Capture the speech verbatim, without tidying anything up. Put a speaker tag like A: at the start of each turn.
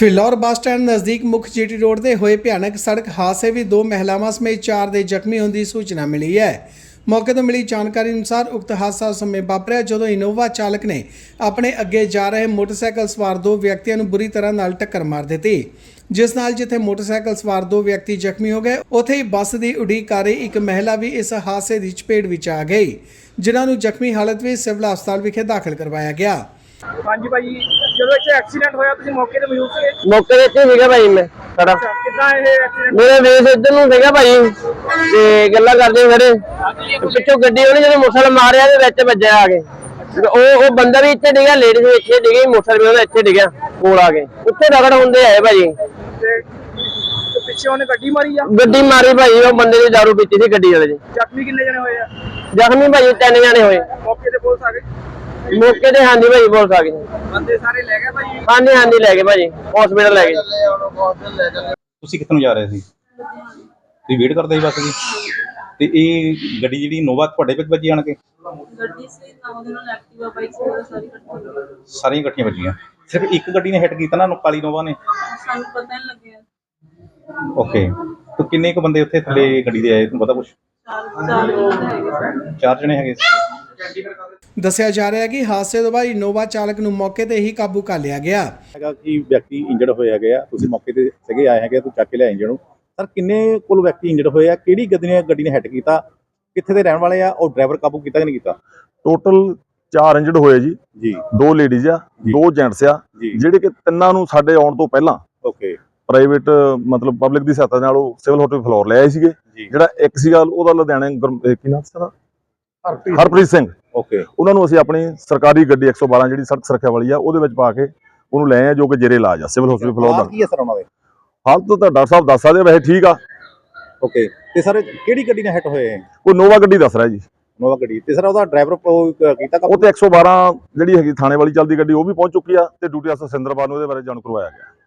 A: Phillaur bus stand ਨਜ਼ਦੀਕ ਮੁੱਖ GT road ਤੇ ਹੋਏ ਭਿਆਨਕ ਸੜਕ ਹਾਦਸੇ ਵਿੱਚ ਦੋ ਮਹਿਲਾਵਾਂ ਸਮੇਤ ਚਾਰ ਦੇ ਜ਼ਖਮੀ ਹੋਣ ਦੀ ਸੂਚਨਾ ਮਿਲੀ ਹੈ। ਮੌਕੇ ਤੋਂ ਮਿਲੀ ਜਾਣਕਾਰੀ ਅਨੁਸਾਰ ਉਕਤ ਹਾਦਸਾ ਉਸ ਸਮੇਂ ਵਾਪਰਿਆ ਜਦੋਂ ਇਨੋਵਾ ਚਾਲਕ ਨੇ ਆਪਣੇ ਅੱਗੇ ਜਾ ਰਹੇ ਮੋਟਰਸਾਈਕਲ ਸਵਾਰ ਦੋ ਵਿਅਕਤੀਆਂ ਨੂੰ ਬੁਰੀ ਤਰ੍ਹਾਂ ਨਾਲ ਟੱਕਰ ਮਾਰ ਦਿੱਤੀ, ਜਿਸ ਨਾਲ ਜਿੱਥੇ ਮੋਟਰਸਾਈਕਲ ਸਵਾਰ ਦੋ ਵਿਅਕਤੀ ਜ਼ਖਮੀ ਹੋ ਗਏ, ਉੱਥੇ ਹੀ ਬੱਸ ਦੀ ਉਡੀਕ ਕਰ ਰਹੀ ਇੱਕ ਮਹਿਲਾ ਵੀ ਇਸ ਹਾਦਸੇ ਦੀ ਚਪੇਟ ਵਿੱਚ ਆ ਗਈ, ਜਿਨ੍ਹਾਂ ਨੂੰ ਜ਼ਖਮੀ ਹਾਲਤ ਵਿੱਚ ਸਿਵਲ ਹਸਪਤਾਲ ਵਿਖੇ ਦਾਖਲ ਕਰਵਾਇਆ ਗਿਆ।
B: ਹਾਂਜੀ ਭਾਈ, ਜਦੋਂ ਇੱਥੇ ਐਕਸੀਡੈਂਟ ਹੋਇਆ ਤੁਸੀਂ ਮੌਕੇ ਤੇ ਮੌਜੂਦ ਸੀਗੇ?
C: ਮੌਕੇ ਤੇ ਇੱਥੇ ਸੀਗਾ ਭਾਈ ਮੈਂ ਖੜਾ।
B: ਕਿੱਦਾਂ ਇਹ ਐਕਸੀਡੈਂਟ?
C: ਮੇਰੇ ਵੇਸ ਇੱਧਰ ਨੂੰ ਸੀਗਾ ਭਾਈ ਤੇ ਗੱਲਾਂ ਕਰਦੇ ਖੜੇ, ਪਿੱਛੋਂ ਗੱਡੀ ਉਹਨੇ ਜਦੋਂ ਮੋਟਰਸਾਈਕਲ ਮਾਰਿਆ ਤੇ ਵਿੱਚ ਵੱਜਿਆ ਆ ਕੇ। ਉਹ ਉਹ ਬੰਦਾ ਵੀ ਇੱਥੇ ਡਿੱਗਾ, ਲੇਡੀਜ਼ ਵੀ ਇੱਥੇ ਡਿੱਗੀ, ਮੋਟਰਸਾਈਕਲ ਵੀ ਉਹਦਾ ਇੱਥੇ ਡਿੱਗਿਆ ਕੋਲ ਆ ਕੇ। ਉੱਥੇ ਰਗੜ ਹੁੰਦੇ ਆਏ ਭਾਈ
B: ਤੇ ਪਿੱਛੇ ਉਹਨੇ ਗੱਡੀ ਮਾਰੀ ਆ?
C: ਗੱਡੀ ਮਾਰੀ ਭਾਈ, ਉਹ ਬੰਦੇ ਦੀ ਦਾਰੂ ਪੀਤੀ ਸੀ ਗੱਡੀ ਵਾਲੇ ਦੀ।
B: ਜ਼ਖਮੀ ਕਿੰਨੇ ਜਣੇ ਹੋਏ ਆ?
C: ਜ਼ਖਮੀ ਭਾਈ ਤਿੰਨ ਜਣੇ ਹੋਏ।
B: ਮੌਕੇ ਤੇ ਪੁਲਿਸ ਆ ਗਈ?
C: ਮੌਕੇ ਤੇ ਹਾਂਜੀ ਭਾਈ ਪੁਲਿਸ ਆ ਗਈ।
B: ਬੰਦੇ ਸਾਰੇ ਲੈ ਗਏ ਭਾਈ?
C: ਹਾਂਜੀ ਹਾਂਜੀ ਲੈ ਗਏ ਭਾਜੀ, ਹਸਪੀਟਲ ਲੈ ਗਏ।
D: ਤੁਸੀਂ ਕਿੱਥੇ ਨੂੰ ਜਾ ਰਹੇ ਸੀ? ਤੁਸੀਂ ਵੇਟ ਕਰਦੇ ਸੀ ਬੱਸ ਦੀ? ਤੇ ਇਹ ਗੱਡੀ ਜਿਹੜੀ ਇਨੋਵਾ ਤੁਹਾਡੇ ਵਿੱਚ ਵੱਜੀ ਆਣ ਕੇ?
E: ਗੱਡੀ ਸੀ ਤਾਂ ਉਹਦੇ ਨਾਲ ਐਕਟਿਵਾ ਬਾਈਕ ਸੀ ਸਾਰੀ ਇਕੱਠੀ
D: ਸਾਰੀਆਂ ਇਕੱਠੀਆਂ ਵੱਜੀਆਂ? ਸਿਰਫ ਇੱਕ ਗੱਡੀ ਨੇ ਹਿੱਟ ਕੀਤਾ ਨਾ, ਕਾਲੀ ਇਨੋਵਾ ਨੇ?
E: ਸਾਨੂੰ ਪਤਾ ਨਹੀਂ ਲੱਗਿਆ।
D: ਓਕੇ, ਤੇ ਕਿੰਨੇ ਕੁ ਬੰਦੇ ਉੱਥੇ ਥੱਲੇ ਗੱਡੀ ਦੇ ਆਏ, ਤੁਹਾਨੂੰ ਪਤਾ ਕੁਛ?
E: ਚਾਰ ਚਾਰ ਬੰਦੇ ਹੈਗੇ ਸਨ।
D: ਚਾਰ ਜਣੇ ਹੈਗੇ ਸੀ।
A: ਦੱਸਿਆ ਜਾ ਰਿਹਾ ਹੈ ਕਿ ਹਾਦਸੇ ਤੋਂ ਬਾਅਦ ਇਨੋਵਾ ਚਾਲਕ ਨੂੰ ਮੌਕੇ ਤੇ ਹੀ ਕਾਬੂ ਕਰ ਲਿਆ ਗਿਆ
F: ਹੈਗਾ ਕਿ ਵਿਅਕਤੀ ਇੰਜਰਡ ਹੋਏ ਹੈਗੇ ਆ। ਤੁਸੀਂ ਮੌਕੇ ਤੇ ਸੀਗੇ, ਆਏ ਹੈਗੇ, ਤੁਸੀਂ ਚੱਕ ਕੇ ਲਿਆਏ ਇੰਜਰਡ ਨੂੰ। ਸਰ ਕਿੰਨੇ ਕੁੱਲ ਵਿਅਕਤੀ ਇੰਜਰਡ ਹੋਏ ਆ? ਕਿਹੜੀ ਗੱਡੀ ਨੇ ਗੱਡੀ ਨੇ ਹਿੱਟ ਕੀਤਾ? ਕਿੱਥੇ ਦੇ ਰਹਿਣ ਵਾਲੇ ਆ? ਔਰ ਡਰਾਈਵਰ ਕਾਬੂ ਕੀਤਾ ਕਿ ਨਹੀਂ ਕੀਤਾ?
G: ਟੋਟਲ ਚਾਰ ਇੰਜਰਡ ਹੋਏ ਜੀ
F: ਜੀ।
G: ਦੋ ਲੇਡੀਜ਼ ਆ, ਦੋ ਜੈਂਟਸ ਆ, ਜਿਹੜੇ ਕਿ ਤਿੰਨਾਂ ਨੂੰ ਸਾਡੇ ਆਉਣ ਤੋਂ ਪਹਿਲਾਂ
F: ਓਕੇ
G: ਪ੍ਰਾਈਵੇਟ ਮਤਲਬ ਪਬਲਿਕ ਦੀ ਸਹਾਇਤਾ ਨਾਲ ਉਹ ਸਿਵਲ ਹਸਪਤਾਲ ਫਲੋਰ ਲੈ ਆਏ ਸੀਗੇ। ਜਿਹੜਾ ਇੱਕ ਸੀਗਾ ਉਹਦਾ ਲੁਧਿਆਣੇ ਕੀ ਨਾਮ ਸੀ? ਹਰਪ੍ਰੀਤ ਸਿੰਘ।
F: ਓਕੇ,
G: ਉਹਨਾਂ ਨੂੰ ਅਸੀਂ ਆਪਣੀ ਸਰਕਾਰੀ ਗੱਡੀ ਇੱਕ ਸੌ ਬਾਰਾਂ ਜਿਹੜੀ ਸੜਕ ਸੁਰੱਖਿਆ ਵਾਲੀ ਆ ਉਹਦੇ ਵਿੱਚ ਪਾ ਕੇ ਉਹਨੂੰ ਲੈ ਆਏ, ਜੋ ਕਿ ਜੇਰੇ ਇਲਾਜ ਆ ਸਿਵਲ ਹਸਪਤਾਲ ਫਲੋਰ ਦਾ।
F: ਕੀ ਹੈ ਸਰ ਉਹਨਾਂ ਦੇ
G: ਹਾਲਤ ਤਾਂ ਡਾਕਟਰ ਸਾਹਿਬ ਦੱਸ ਸਕਦੇ, ਵੈਸੇ ਠੀਕ ਆ।
F: ਓਕੇ, ਤੇ ਸਰ ਕਿਹੜੀ ਗੱਡੀ ਨੇ ਹਿੱਟ ਹੋਏ?
G: ਕੋਈ ਨੋਵਾ ਗੱਡੀ ਦੱਸ ਰਿਹਾ ਜੀ।
F: ਨੋਵਾ ਗੱਡੀ। ਤੇ ਸਰ ਉਹਦਾ ਡਰਾਈਵਰ ਕੀਤਾ
G: ਉਹ ਤੇ ਇੱਕ ਸੌ ਬਾਰਾਂ ਜਿਹੜੀ ਹੈਗੀ ਥਾਣੇ ਵਾਲੀ ਚੱਲਦੀ ਗੱਡੀ ਉਹ ਵੀ ਪਹੁੰਚ ਚੁੱਕੀ ਆ ਤੇ ਡਿਊਟੀ ਅਫਸਰ ਸਿੰਦਰਪਾਲ ਨੂੰ ਇਹਦੇ ਬਾਰੇ ਜਾਣੂ ਕਰਵਾਇਆ ਗਿਆ।